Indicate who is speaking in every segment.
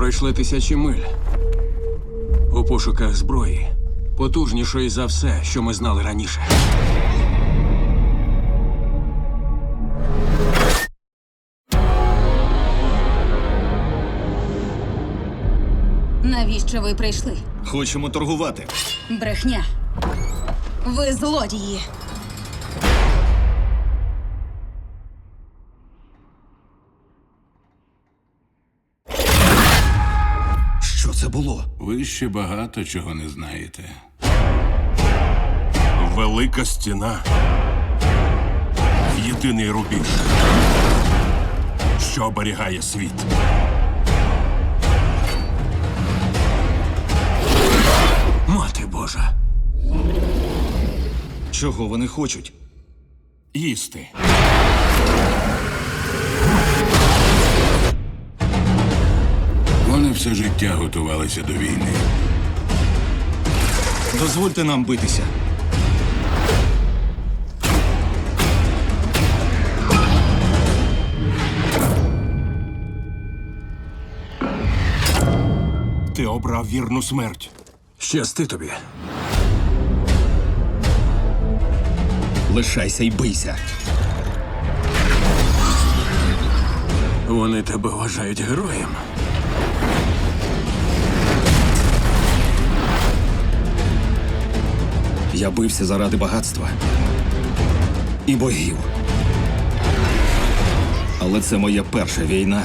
Speaker 1: пройшли тисячі миль у пошуках зброї, потужнішої за все, що ми знали раніше.
Speaker 2: Навіщо ви прийшли?
Speaker 3: Хочемо торгувати.
Speaker 2: Брехня. Ви злодії.
Speaker 3: Що це було?
Speaker 4: Ви ще багато чого не знаєте.
Speaker 5: Велика стіна. Єдиний рубіж, що оберігає світ.
Speaker 1: Мати Божа!
Speaker 3: Чого вони хочуть?
Speaker 5: Їсти.
Speaker 4: Вони все життя готувалися до війни.
Speaker 3: Дозвольте нам битися.
Speaker 5: Ти обрав вірну смерть.
Speaker 1: Щасти тобі.
Speaker 3: Лишайся і бийся.
Speaker 1: Вони тебе вважають героєм.
Speaker 3: Я бився заради багатства і богів. Але це моя перша війна,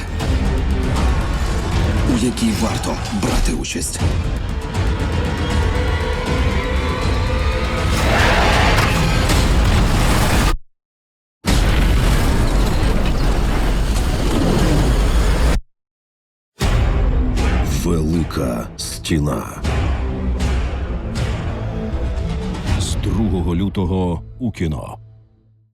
Speaker 3: у якій варто брати участь.
Speaker 6: Велика стіна.
Speaker 7: З 2 лютого у кіно.